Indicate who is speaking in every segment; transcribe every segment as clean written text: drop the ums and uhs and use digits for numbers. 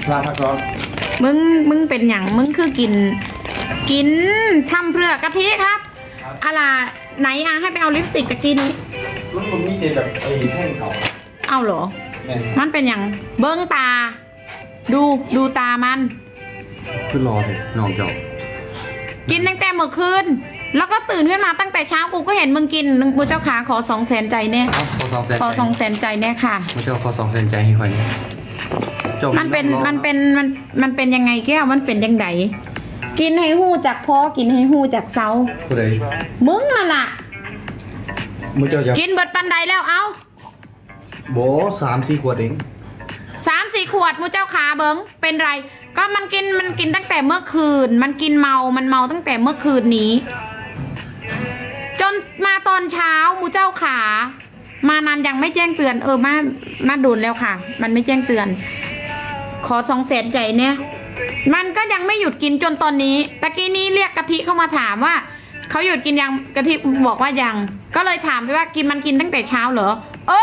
Speaker 1: ลาพักร้อน
Speaker 2: มึงเป็นอย่างมึงคือกินทำเพื่อกะทิครับอะไรไหนให้ไปเอาลิปสติกตะกี้นี้
Speaker 1: มันมีแต่แบบไอ้แท่งเก่า
Speaker 2: เอาเหรอมันเป็นอย่างเบิ้งตาดูตามัน
Speaker 1: คือรอเลยน้องเจ้า
Speaker 2: กินตั้งแต่เมื่อคืนแล้วก็ตื่นขึ้นมาตั้งแต่เช้ากูก็เห็นมึงกินมึงเจ้าขาขอ200,000ใจเนี่ยขอ200,000ใจเนี่ยค่ะ
Speaker 1: มึงเจ้าขอ200,000ใจให้ค่อย
Speaker 2: มันเป็นยังไงแก้วมันเป็นยังไงกินให้หู้จากพ่อกินให้หู้จากเซา
Speaker 1: ผู้ใด
Speaker 2: มึงนั่นแหละ
Speaker 1: มึงเจ้าอยาก
Speaker 2: กินเบิดปันใดแล้วเอา
Speaker 1: โบ3-4 ขวดเอง
Speaker 2: 3-4 ขวดมูเจ้าขาเบิ้งเป็นไรก็มันกินตั้งแต่เมื่อคืนมันกินเมาตั้งแต่เมื่อคืนนี้จนมาตอนเช้ามูเจ้าขามานานยังไม่แจ้งเตือนมาดูนแล้วค่ะมันไม่แจ้งเตือนขอ200,000ใจเนี่ยมันก็ยังไม่หยุดกินจนตอนนี้ตะกี้นี้เรียกกะทิเข้ามาถามว่าเขาหยุดกินยังกะทิบอกว่ายังก็เลยถามไปว่ามันกินตั้งแต่เช้าเหรอ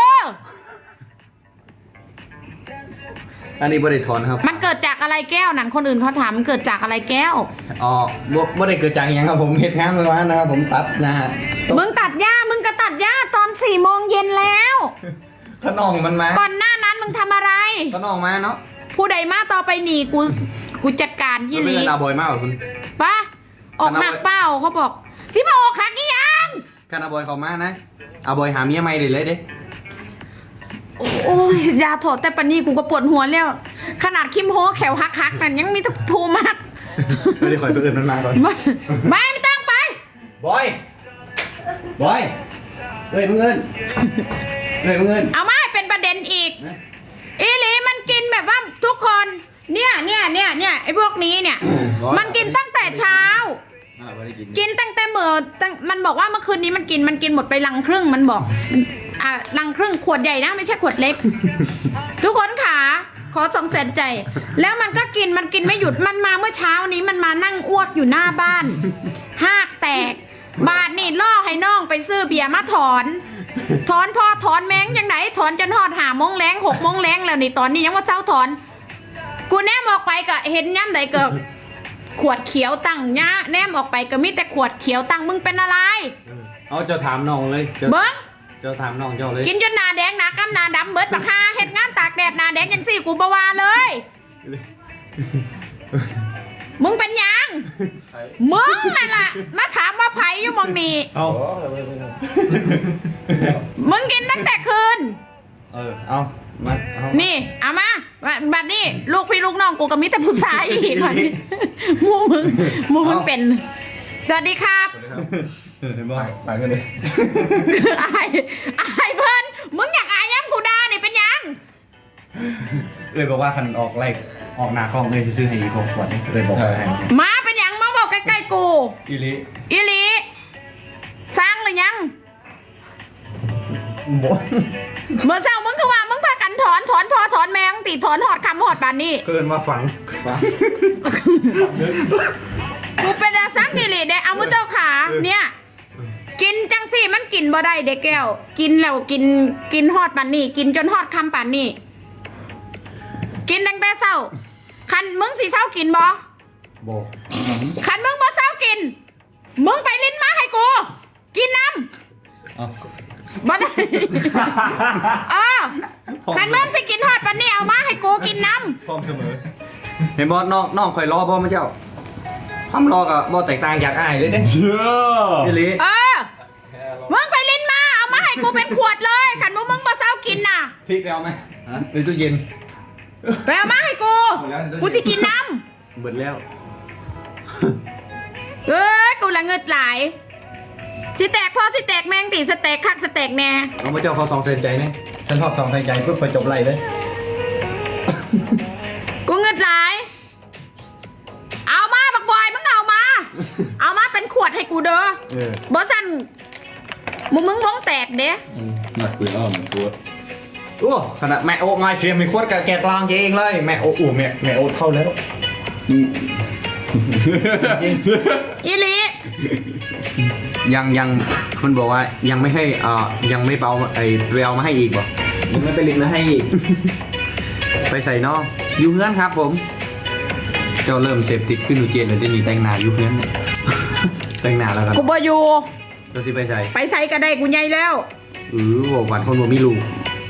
Speaker 1: อันนี้บริทอนครับ
Speaker 2: มันเกิดจากอะไรแก้วนั่นคนอื่นเขาถามมันเกิดจากอะไรแก้ว
Speaker 1: อ๋อบ่ได้เกิดจากอย่างครับผมเฮ็ดงานเมื่อวานนะครับผมตัดนะฮะ
Speaker 2: มึงตัดหญ้ามึงก็ตัดหญ้าตอน4 โมงเย็นแล้ว
Speaker 1: ขนองมันมา
Speaker 2: ก่อนหน้านั้นมึงทำอะไร
Speaker 1: ขนองมาเนาะ
Speaker 2: ผู้ใดมาต่อไปหนีกูจัดการยี่หลี
Speaker 1: อาบอยมากกว่าคุณ
Speaker 2: ปะออกหักเป้าเขาบอกสิมาออกหักกี่ยัง
Speaker 1: คานาบอยเขามานะอาบอยหาเมียใหม่เลยเด้
Speaker 2: โอ้ยยาถอดแต่ปนี่กูก็ปวดหัวแล้วขนาดคิมโฮแขวหักนั่นยังมีทุกภูมาก
Speaker 1: ไม่ได้คอยตัวอื่นมันมาก่อน
Speaker 2: ไม่ต้องไป
Speaker 1: บอยเฮ้ยมึงเงิน
Speaker 2: เอามาให้เป็นประเด็นอีกอีหลีมันกินแบบว่าทุกคนเนี่ยไอ้พวกนี้เนี่ยมันกินตั้งแต่เช้ากินตั้งแต่มันบอกว่าเมื่อคืนนี้มันกินหมดไปลังครึ่งมันบอกลังครึ่งขวดใหญ่นะไม่ใช่ขวดเล็กทุกคนขาขอ200,000ใจแล้วมันก็กินไม่หยุดมันมาเมื่อเช้านี้มันมานั่งอ้วกอยู่หน้าบ้านหากแตกบาทนี่ล่อให้น้องไปซื้อเบียร์มาถอนพอถอนแมงยังไหนถอนจนหอด5 โมงแรง6 โมงแรงแล้วนี่ตอนนี้ยังว่าเจ้าถอนกูแนมออกไปก็เห็นย่ำใดเกิดขวดเขียวตั้งย่าแนมออกไปก็มีแต่ขวดเขียวตั้งมึงเป็นอะไร
Speaker 1: เอาจะถามน้องเลย
Speaker 2: เบิ้ง
Speaker 1: จะถามน้องเจ้าเลย
Speaker 2: กินจนหน้าแดงหน้ากำหน้าดำเบิดปากคาเห็ดงานตากแดดหน้าแดงยังสี่กูบวาเลยมึงเป็นยังมึงนั่นแหละมาถามว่าไผอยู่มองนี่มึงกินตั้งแต่คืน
Speaker 1: เอามา
Speaker 2: นี่เอามาบัดนี้ลูกพี่ลูกน้องกูกับมิตรผู้ชายอีกคนมูมึงเป็นสวัสดีครับ
Speaker 1: เห็นบ่ไปกันเลย
Speaker 2: อายเพิ่นมึงอยากอายย้ำกูด่านี่เป็นยัง
Speaker 1: บอกว่าคันออกหน้าคลองเลยซื้อให้อีก6 ขวดบอกให้
Speaker 2: มาเป็นยังมาบอกใกล้ๆกู
Speaker 1: อี
Speaker 2: ลีสร้างหรือยังเมื่อเช้ามึงคือว่ามึงพากันถอนพอถอนแมงตีถอนหอดคำหอดบานนี่
Speaker 1: เกินมาฝัง
Speaker 2: กูเป็นอาซักนี่เลยเด็กเอามุเจ้าขาเนี่ยกินจังสี่มันกินบ่ได้เด็กแก้วกินแล้วกินหอดปานนี่กินจนหอดคำปานนี่กินตั้งแต่เช้าคันมึงสิเช้ากินบ่คันมึงบ่เช้ากินมึงไปลิ้นมาให้กูกินน้ำบ่ได้คันมึงสิกินหอดปานนี่เอามาให้กูกินน้
Speaker 1: ำพร้อมเสมอเห็นบ่น้องคอยรอพ่อมาเจ้าทำรอกับบ่แตกต่างจากอ้ายเลยเด้เชื่อพี่ลิ
Speaker 2: มึงไปลิ้นมาเอามาให้กูเป็นขวดเลยขันมึงมาเช้ากินน่ะ
Speaker 1: พริกแล้วไหมในตู้เย็น
Speaker 2: ไปเอามาให้กูจะกินน้
Speaker 1: ำเบิดแล้ว
Speaker 2: กูละเงิดหลายสิแตกพ่อสิแตกแมงตีสแตกคักสแตกแน่
Speaker 1: เอามาเจ้าเขา200,000ใจเนี่ยฉันชอบ200,000ใจเพื่อไปจบไรเลย
Speaker 2: กูเงิดหลายเอามาบักบอยมึงเอามาเป็นขวดให้กูเด้อบอสันมึงวงแตกเด้
Speaker 1: หนักปืนอ้อมตัวโอ้ขนาดแม่โอ้ง่ายเชียร์มีขวดกับแกะกลางเองเลยแม่โอ้แม่โอ้เท่าแล้ว
Speaker 2: อีลี
Speaker 1: ยังคุณบอกว่ายังไม่ให้ยังไม่เบาไปเอามาให้อีกบ่ยังไม่ไปลิงมาให้อีกไปใส่นอกอยู่เพื่อนครับผม เจ้าเริ่มเสพติดขึ้นดูเจนเลยที่นี่แต่งหน้าอยู่เพื่อนเนี่ย แต่งหน้าแล้วกัน
Speaker 2: กูบ่อยู่
Speaker 1: เราสิไปใส่
Speaker 2: ไปใส่ก็ได้กูใหญ่แล้ว
Speaker 1: บอกหวานคนบ่มีลูก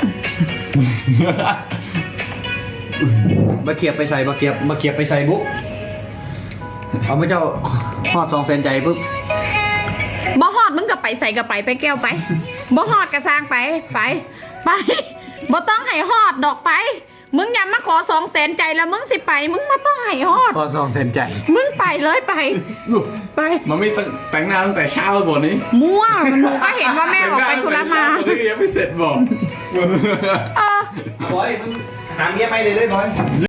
Speaker 1: มาเขียบไปใส่มาเขียบไปใส่บุ๊กเอาไม่เจ้าฮอด2 เซนใจปุ๊บ
Speaker 2: บ่ฮอดมึงก็ไปใส่ก็ไปแก้วไปบ่ฮอดก็สร้างไปบ่ต้องให้ฮอดดอกไป มึงอย่ามาขอ2 แสนใจแล้วมึงสิไป มึงมาต้องให้ฮอด
Speaker 1: ฮอด2 เซนใจ
Speaker 2: มึงไปเลยไป
Speaker 3: มันไม่แต่งหน้าตั้งแต่เช้าบนนี้
Speaker 2: มั่วหนูก็เห็นว่าแม่ออกไปธุระมา
Speaker 3: ตอนนี้ก็ยังไม่เสร็จบอก
Speaker 2: เออ
Speaker 1: บอยมึงหาเมียไปเลยบอย